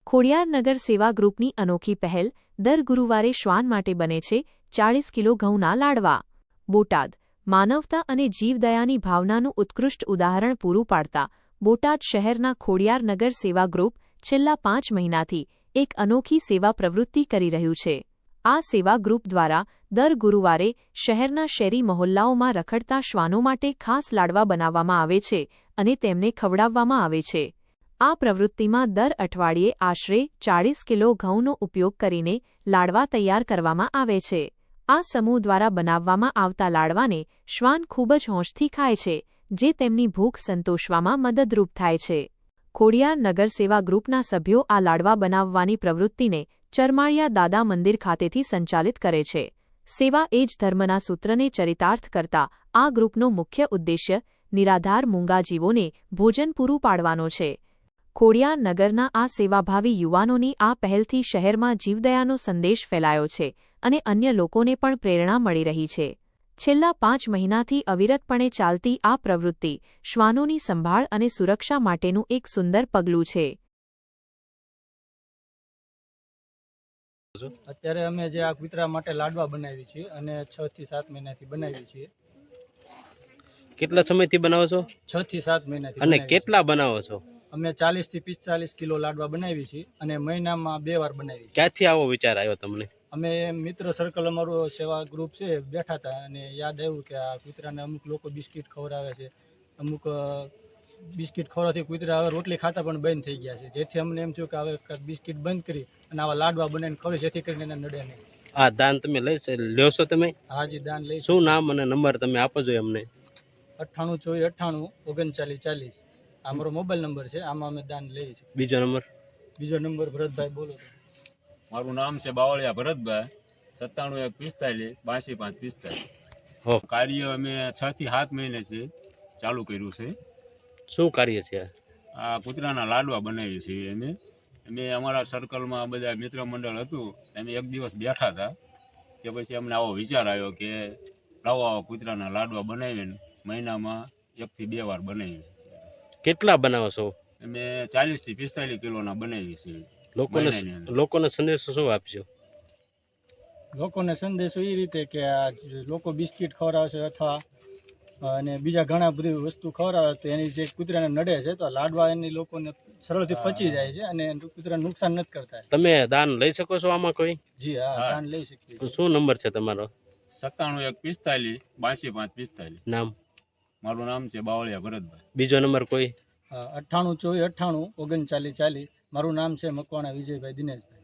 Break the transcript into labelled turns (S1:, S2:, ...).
S1: ખોડિયારનગર સેવા ગ્રુપની અનોખી પહેલ દર ગુરુવારે શ્વાન માટે બને છે 40 કિલો ઘઉંના લાડવા। બોટાદ માનવતા અને જીવદયાની ભાવનાનું ઉત્કૃષ્ટ ઉદાહરણ પૂરું પાડતા બોટાદ શહેરના ખોડિયારનગર સેવા ગ્રુપ છેલ્લા 5 મહિનાથી એક અનોખી સેવા પ્રવૃત્તિ કરી રહ્યું છે। આ સેવા ગ્રુપ દ્વારા દર ગુરુવારે શહેરના શેરી મહોલ્લાઓમાં રખડતા શ્વાનો માટે ખાસ લાડવા બનાવવામાં આવે છે અને તેમને ખવડાવવામાં આવે છે। આ પ્રવૃત્તિમાં દર અઠવાડિયે આશરે 40 કિલો ઘઉંનો ઉપયોગ કરીને લાડવા તૈયાર કરવામાં આવે છે। આ સમૂહ દ્વારા બનાવવામાં આવતા લાડવાને શ્વાન ખૂબ જ હોંશથી ખાય છે, જે તેમની ભૂખ સંતોષવામાં મદદરૂપ થાય છે। ખોડિયારનગર સેવા ગ્રુપના સભ્યો આ લાડવા બનાવવાની પ્રવૃત્તિને ચરમાળિયા દાદા મંદિર ખાતેથી સંચાલિત કરે છે। સેવા એ જ ધર્મના સૂત્રને ચરિતાર્થ કરતા આ ગ્રુપનો મુખ્ય ઉદ્દેશ્ય નિરાધાર મૂંગા જીવોને ભોજન પૂરું પાડવાનો છે। ખોડિયારનગરના આ સેવાભાવી યુવાનોની આ પહેલથી શહેરમાં જીવદયાનો સંદેશ ફેલાયો છે અને અન્ય લોકોને પણ પ્રેરણા મળી રહી છે। છેલ્લા 5 મહિનાથી અવિરતપણે ચાલતી આ પ્રવૃત્તિ શ્વાનોની સંભાળ અને સુરક્ષા માટેનું એક સુંદર પગલું છે।
S2: અત્યારે અમે જે આ કૂતરા માટે લાડવા બનાવી છીએ અને 6 થી 7 મહિનાથી બનાવી છીએ।
S3: કેટલા સમયથી બનાવો છો?
S2: 6 થી 7 મહિનાથી।
S3: અને કેટલા બનાવો છો?
S2: અમે 40 થી 45 કિલો લાડવા બનાવી છીએ અને મહિનામાં 2 વાર બનાવી।
S3: ક્યાંથી આવો વિચાર આવ્યો તમને?
S2: અમે મિત્ર સર્કલ અમારું સેવા ગ્રુપ છે, બેઠા હતા અને યાદ આવ્યું કે આ કૂતરાને અમુક લોકો બિસ્કિટ ખવડાવે છે, અમુક બિસ્કિટ ખવડાવવાથી કૂતરા હવે રોટલી ખાતા પણ બંધ થઈ ગયા છે, જેથી અમને એમ થયું કે હવે બિસ્કિટ બંધ કરી અને આવા લાડવા બનાવીને ખવડાવીએ, જેથી કરીને એને નડે નહીં।
S3: આ દાન તમે લ્યો છો તમે?
S2: હાજી, દાન લઈ।
S3: શું નામ અને નંબર તમે આપો છો અમને?
S2: 98 94 39 40। આ મારો મોબાઈલ નંબર છે, આમાં અમે દાન લઈએ છીએ।
S3: બીજો નંબર?
S2: બીજો નંબર ભરતભાઈ બોલો।
S4: મારું નામ છે બાવળિયા ભરતભાઈ, 97 145 82 5 45। કાર્ય અમે 6 થી 7 મહિનાથી ચાલુ કર્યું છે।
S3: શું કાર્ય છે?
S4: આ કૂતરાના લાડવા બનાવીએ છીએ અમે અમારા સર્કલમાં બધા મિત્ર મંડળ હતું, અમે એક દિવસ બેઠા હતા કે પછી અમને આવો વિચાર આવ્યો કે લાવો આવા કૂતરાના લાડવા બનાવીને મહિનામાં 1 થી 2 વાર બનાવીએ।
S3: કેટલા બનાવો છો?
S4: અમે 40 થી 45 કિલોના બનાવીએ છીએ।
S3: લોકોને સંદેશો શું આપજો?
S2: લોકોને સંદેશો એ રીતે કે આ લોકો બિસ્કિટ ખવડાવે છે અથવા અને બીજા ઘણા બધી વસ્તુ ખવડાવે તો એની જે કૂતરાને નડે છે તો લાડવા એની લોકોને સરળથી પચી જાય છે અને કૂતરાને નુકસાન નથી કરતા।
S3: તમે દાન લઈ શકો છો આમાં કોઈ?
S2: જી હા, દાન લઈ શકીએ।
S3: શું નંબર છે તમારો?
S4: 97 145 82 5 45।
S3: નામ?
S4: મારું નામ છે બાવળિયા ભરતભાઈ।
S3: બીજો નંબર કોઈ?
S2: 98 94 98 39 40। મારું નામ છે મકવાણા વિજયભાઈ દિનેશભાઈ।